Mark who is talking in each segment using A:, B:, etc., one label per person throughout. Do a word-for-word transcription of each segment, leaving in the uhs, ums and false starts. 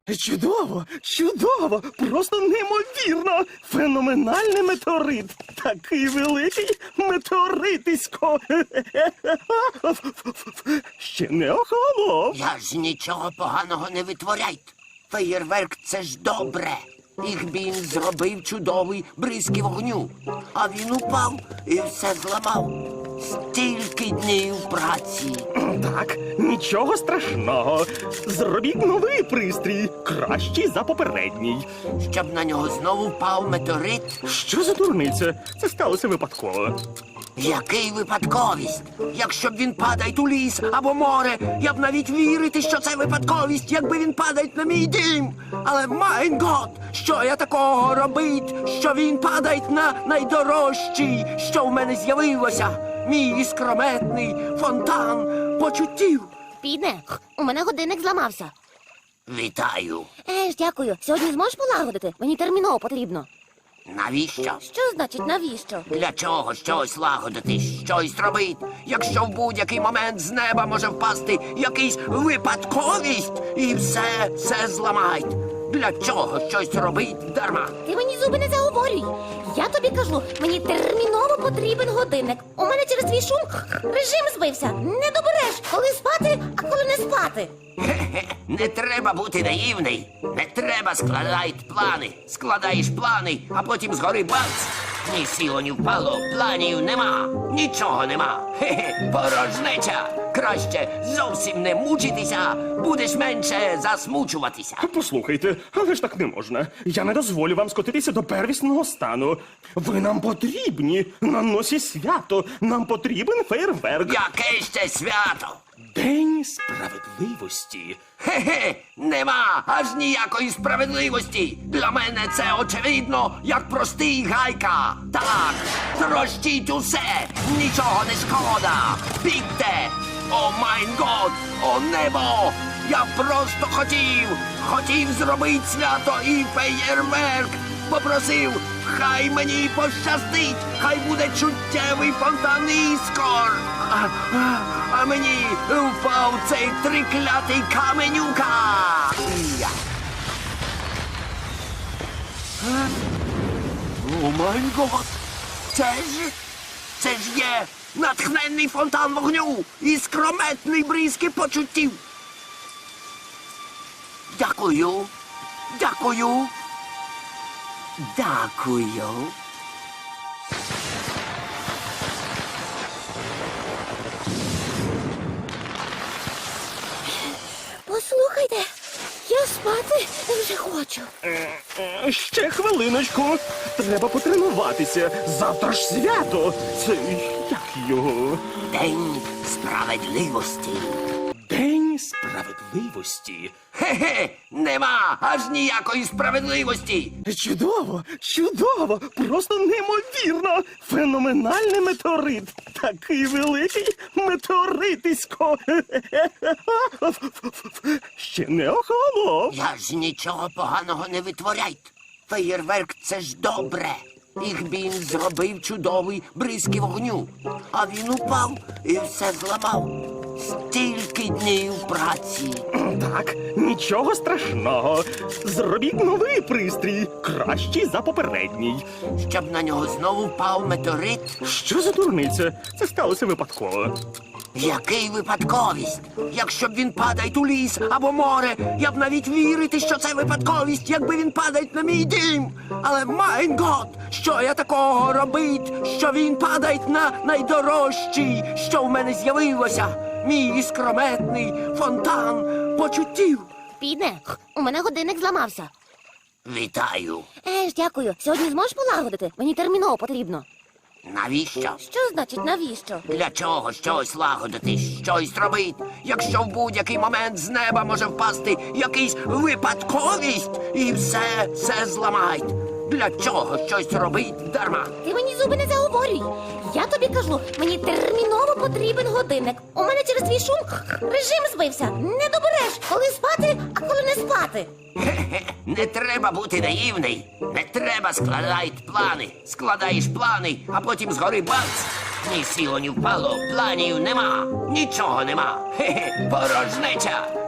A: Чудово, чудово, просто неймовірно. Феноменальний метеорит. Такий великий метеоритисько. Ще не охолонув.
B: Я ж нічого поганого не витворяйте. Феєрверк – це ж добре. Ігбін зробив чудовий бризки вогню. А він упав і все зламав. Стільки днів праці.
A: Так, нічого страшного. Зробіть новий пристрій, кращий за попередній.
B: Щоб на нього знову впав метеорит?
A: Що за дурниця? Це сталося випадково.
B: Який випадковість? Якщо б він падає у ліс або море, я б навіть вірити, що це випадковість, якби він падає на мій дім. Але, майн гот, що я такого робить, що він падає на найдорожчий, що в мене з'явилося? Мій іскрометний фонтан почуттів.
C: Піде, у мене годинник зламався.
B: Вітаю.
C: Еж, дякую. Сьогодні зможеш полагодити? Мені терміново потрібно.
B: Навіщо?
C: Що значить навіщо?
B: Для чого щось лагодити, щось робити, якщо в будь-який момент з неба може впасти якийсь випадковість і все, все зламають? Для чого щось робить дарма?
C: Ти мені зуби не заговорюй. Я тобі кажу, мені терміново потрібен годинник. У мене через твій шум режим збився. Не добереш, коли спати, а коли не спати.
B: Хе-хе, не треба бути наївний. Не треба складати плани. Складаєш плани, а потім згори бац. Ні сіло, ні впало, планів нема. Нічого нема. Хе-хе, порожнеча. Краще зовсім не мучитися, будеш менше засмучуватися.
A: Послухайте, але ж так не можна. Я не дозволю вам скотитися до первісного стану. Ви нам потрібні. На носі свято. Нам потрібен фейерверк.
B: Яке ще свято?
A: День справедливості.
B: Хе-хе, нема аж ніякої справедливості. Для мене це очевидно, як простий гайка. Так, трощіть усе, нічого не шкода. Бігте! О майн год, о небо! Я просто хотів, хотів зробити свято і феєрверк. Попросив, хай мені пощастить, хай буде чуттєвий фонтан іскор. А, а, а мені впав цей триклятий каменюка. Я. Е? О май гот! Це ж, це ж є натхненний фонтан вогню і скрометний бризки почуттів. Дякую, дякую, дякую.
C: Послухайте, я спати вже хочу.
A: Е, Ще хвилиночку. Треба потренуватися. Завтра ж свято. Це як його?
B: День справедливості.
A: День справедливості.
B: Хе-хе, нема аж ніякої справедливості.
A: Чудово, чудово, просто неймовірно. Феноменальний метеорит. Такий великий метеоритисько. Ще не охолонув.
B: Я ж нічого поганого не витворяйте. Феєрверк – це ж добре. Ігбін зробив чудовий бризки вогню. А він упав і все зламав. Стільки днів праці.
A: Так, нічого страшного. Зробіть новий пристрій, кращий за попередній.
B: Щоб на нього знову впав метеорит?
A: Що за дурниця? Це сталося випадково.
B: Який випадковість? Якщо б він падає у ліс або море, я б навіть вірити, що це випадковість, якби він падає на мій дім. Але, майн гот, що я такого робить, що він падає на найдорожчий, що в мене з'явилося? Мій іскрометний фонтан почуттів.
C: Піде, у мене годинник зламався.
B: Вітаю.
C: Еж, дякую. Сьогодні зможеш полагодити? Мені терміново потрібно.
B: Навіщо?
C: Що значить навіщо?
B: Для чого щось лагодити, щось робити, якщо в будь-який момент з неба може впасти якийсь випадковість і все, все зламають? Для чого щось робить дарма?
C: Ти мені зуби не заговорюй. Я тобі кажу, мені терміново потрібен годинник. У мене через твій шум режим збився. Не добереш, коли спати, а коли не спати.
B: Хе-хе, не треба бути наївний. Не треба складати плани. Складаєш плани, а потім згори бац. Ні сіло, ні впало, планів нема. Нічого нема. Хе-хе, порожнеча.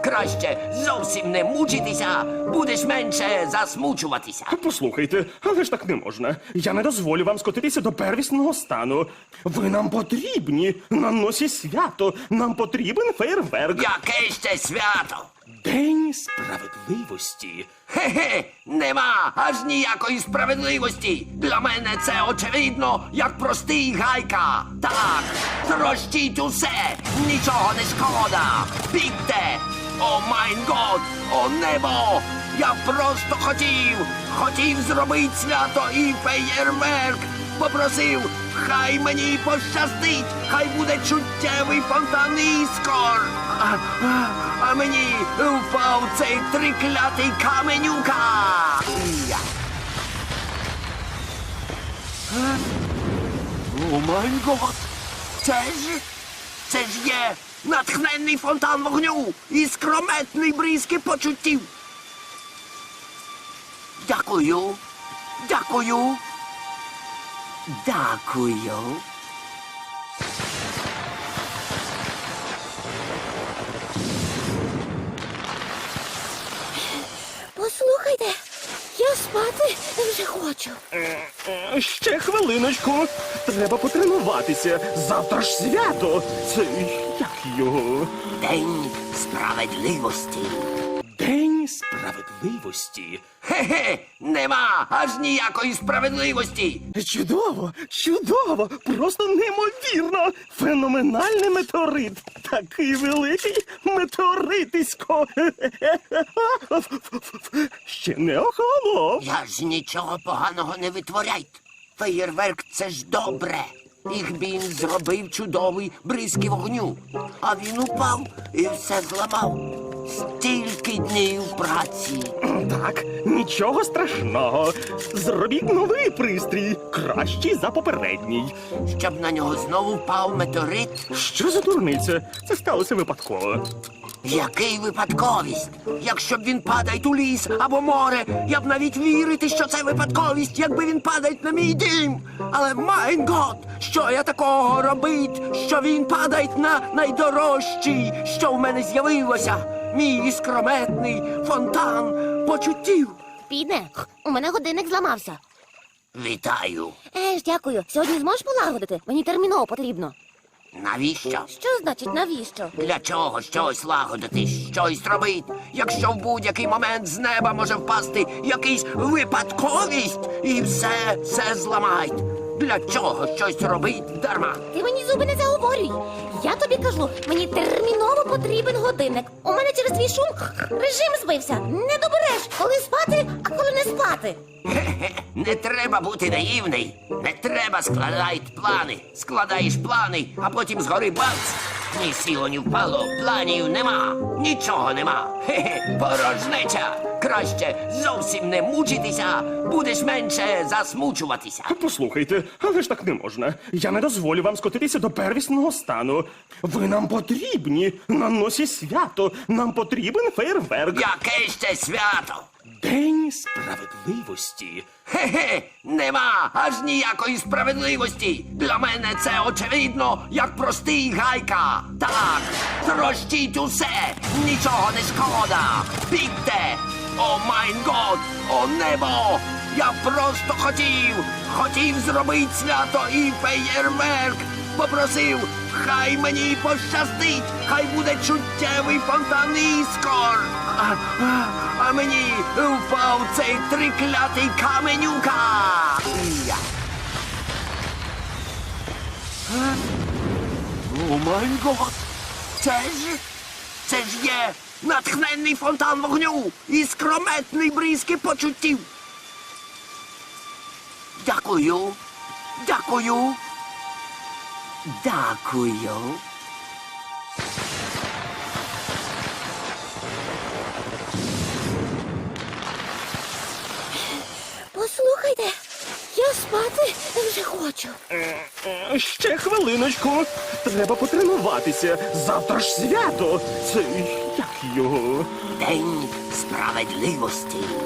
B: Краще зовсім не мучитися, будеш менше засмучуватися.
A: Послухайте, але ж так не можна. Я не дозволю вам скотитися до первісного стану. Ви нам потрібні на носі свято. Нам потрібен фейерверк.
B: Яке ще свято?
A: День справедливості.
B: Хе-хе, нема аж ніякої справедливості. Для мене це очевидно, як простий гайка. Так, трощіть усе, нічого не шкода. Бігте! О майн год, о небо! Я просто хотів, хотів зробити свято і феєрверк. Попросив, хай мені пощастить, хай буде чуттєвий фонтан іскор. А, а, а мені впав цей триклятий каменюка. Я. Е? О май гот! Це ж, це ж є натхненний фонтан вогню і скрометний бризки почуттів. Дякую, дякую. Дякую.
C: Послухайте, я спати вже хочу.
A: Е, Ще хвилиночку. Треба потренуватися. Завтра ж свято. Це як його?
B: День справедливості.
A: День справедливості.
B: Хе-хе, нема аж ніякої справедливості.
A: Чудово, чудово, просто неймовірно. Феноменальний метеорит. Такий великий метеоритисько. Ще не охолонув.
B: Я ж нічого поганого не витворяйте. Феєрверк — це ж добре. Їх він зробив чудовий бризки вогню. А він упав і все зламав. Стільки днів праці.
A: Так, нічого страшного. Зробіть новий пристрій, кращий за попередній.
B: Щоб на нього знову впав метеорит.
A: Що за дурниця? Це сталося випадково.
B: Який випадковість? Якщо б він падає у ліс або море, я б навіть вірити, що це випадковість, якби він падає на мій дім. Але майн гот, що я такого робить, що він падає на найдорожчий, що в мене з'явилося? Мій іскрометний фонтан почуттів.
C: Підне, у мене годинник зламався.
B: Вітаю.
C: Е ж, дякую. Сьогодні зможеш полагодити? Мені терміново потрібно.
B: Навіщо?
C: Що значить навіщо?
B: Для чого щось лагодити, щось робить, якщо в будь-який момент з неба може впасти якийсь випадковість і все, все зламають. Для чого щось робить дарма?
C: Ти мені зуби не заговорюй. Я тобі кажу, мені терміново потрібен годинник. У мене через твій шум режим збився. Не добереш, коли спати, а коли не спати.
B: Хе-хе, не треба бути наївний. Не треба складати плани. Складаєш плани, а потім згори бац. Ні сіло, ні впало, планів нема. Нічого нема. Хе-хе, порожнеча. Краще зовсім не мучитися, будеш менше засмучуватися.
A: Послухайте, але ж так не можна. Я не дозволю вам скотитися до первісного стану. Ви нам потрібні на носі свято. Нам потрібен фейерверк.
B: Яке ще свято?
A: День справедливості.
B: Хе-хе, нема аж ніякої справедливості. Для мене це очевидно, як простий гайка. Так, трощіть усе, нічого не шкода. Бігте! О майн год, о небо! Я просто хотів, хотів зробити свято і феєрверк. Попросив, хай мені пощастить, хай буде чуттєвий фонтан іскор. А, а, а мені впав цей триклятий каменюка. Я. Е? О май гот! Це ж, це ж є натхненний фонтан вогню і скрометний бризки почуттів. Дякую, дякую. Дякую.
C: Послухайте, я спати вже хочу.
A: Е, Ще хвилиночку. Треба потренуватися. Завтра ж свято. Це як його?
B: День справедливості.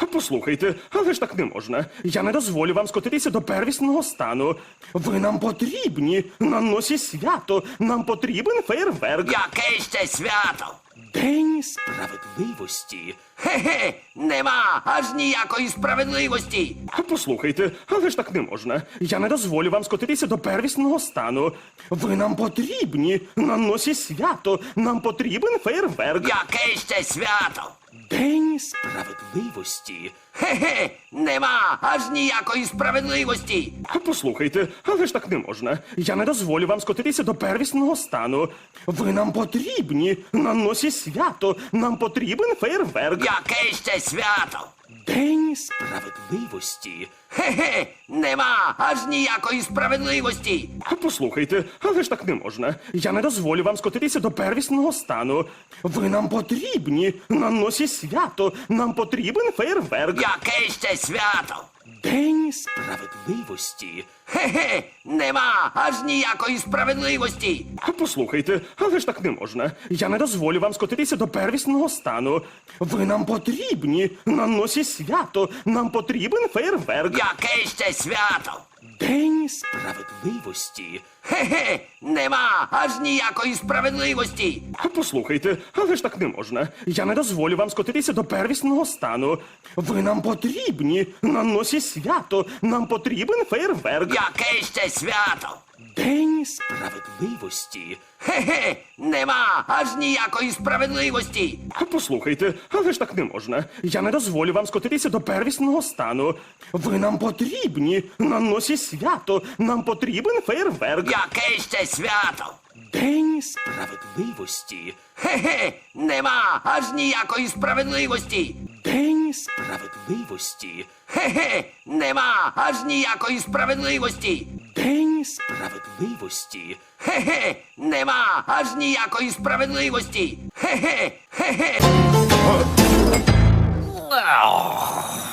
A: Послухайте, але ж так не можна. Я не дозволю вам скотитися до первісного стану. Ви нам потрібні на носі свято. Нам потрібен фейерверк.
B: Яке ще свято?
A: День справедливості.
B: Хе-хе, нема аж ніякої справедливості.
A: Послухайте, але ж так не можна. Я не дозволю вам скотитися до первісного стану. Ви нам потрібні на носі свято. Нам потрібен фейерверк.
B: Яке ще свято?
A: День справедливості.
B: Хе-хе, нема аж ніякої справедливості.
A: Послухайте, але ж так не можна. Я не дозволю вам скотитися до первісного стану. Ви нам потрібні на носі свято. Нам потрібен фейерверк.
B: Яке ще свято?
A: День справедливості.
B: Хе-хе, нема аж ніякої справедливості.
A: Послухайте, але ж так не можна. Я не дозволю вам скотитися до первісного стану. Ви нам потрібні на носі свято. Нам потрібен фейерверк.
B: Яке ще свято?
A: День справедливості.
B: Хе-хе, нема аж ніякої справедливості.
A: Послухайте, але ж так не можна. Я не дозволю вам скотитися до первісного стану. Ви нам потрібні на носі свято. Нам потрібен фейерверк.
B: Яке ще свято?
A: День справедливості.
B: Хе-хе, нема аж ніякої справедливості.
A: Послухайте, але ж так не можна. Я не дозволю вам скотитися до первісного стану. Ви нам потрібні на носі свято. Нам потрібен фейерверк.
B: Яке ще свято?
A: День справедливості.
B: Хе-хе, нема аж ніякої справедливості.
A: Послухайте, але ж так не можна. Я не дозволю вам скотитися до первісного стану. Ви нам потрібні на носі свято. Нам потрібен фейерверк.
B: Яке ще свято?
A: День справедливості.
B: Хе-хе, нема аж ніякої справедливості.
A: День справедливості.
B: Хе-хе, нема аж ніякої справедливості.
A: День справедливості.
B: Хе-хе, нема аж ніякої справедливості. Хе-хе, хе-хе.